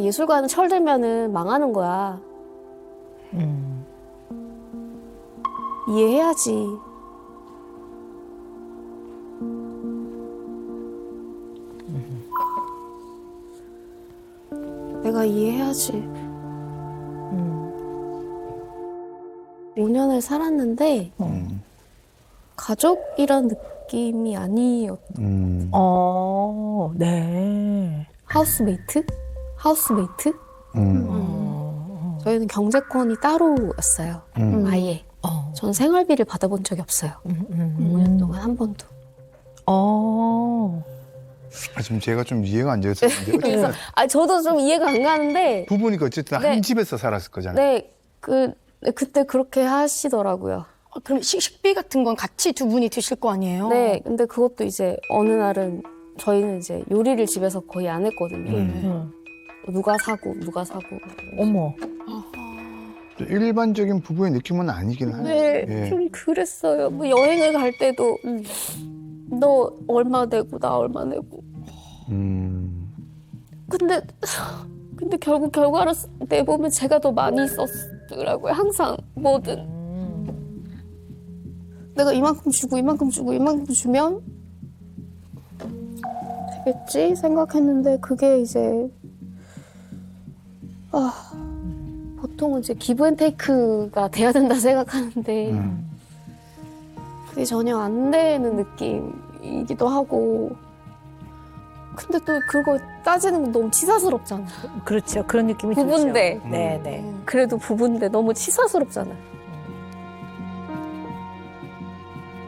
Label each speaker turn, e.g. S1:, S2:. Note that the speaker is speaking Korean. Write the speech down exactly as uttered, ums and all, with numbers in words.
S1: 예술가는 철들면은 망하는 거야.
S2: 음.
S1: 이해해야지. 내가 이해해야지.
S2: 음.
S1: 오 년을 살았는데
S3: 음.
S1: 가족이란 느낌이 아니었.
S3: 음.
S2: 어, 네.
S1: 하우스메이트? 하우스메이트?
S3: 음.
S2: 어.
S1: 저희는 경제권이 따로였어요.
S3: 음.
S1: 아예.
S2: 어.
S1: 전 생활비를 받아본 적이 없어요.
S2: 음, 음,
S1: 오 년 동안 한 번도.
S2: 어.
S3: 아, 지금 제가 좀 이해가 안 되었었는데
S1: 그래서 아 저도 좀 이해가 안 가는데
S3: 부부니까 어쨌든
S1: 네.
S3: 한 집에서 살았을 거잖아요.
S1: 네, 그 그때 그렇게 하시더라고요.
S4: 아, 그럼 식, 식비 같은 건 같이 두 분이 드실 거 아니에요?
S1: 네, 근데 그것도 이제 어느 날은 저희는 이제 요리를 집에서 거의 안 했거든요.
S3: 음.
S2: 음.
S1: 누가 사고 누가 사고.
S2: 어머.
S3: 일반적인 부부의 느낌은 아니긴 하네요.
S1: 네,
S3: 예.
S1: 좀 그랬어요. 뭐 여행을 갈 때도 너 얼마 내고 나 얼마 내고.
S3: 음.
S1: 근데 근데 결국 결과를 내보면 제가 더 많이 썼더라고요. 항상 뭐든.
S2: 음.
S1: 내가 이만큼 주고 이만큼 주고 이만큼 주면 되겠지 생각했는데 그게 이제 아 보통은 이제 기브앤테이크가 돼야 된다 생각하는데
S3: 음.
S1: 그게 전혀 안 되는 느낌이기도 하고 근데 또 그거 따지는 건 너무 치사스럽잖아.
S2: 그렇죠. 그런 느낌이
S1: 부부인데.
S2: 들죠. 네, 네.
S1: 그래도 부부인데 너무 치사스럽잖아.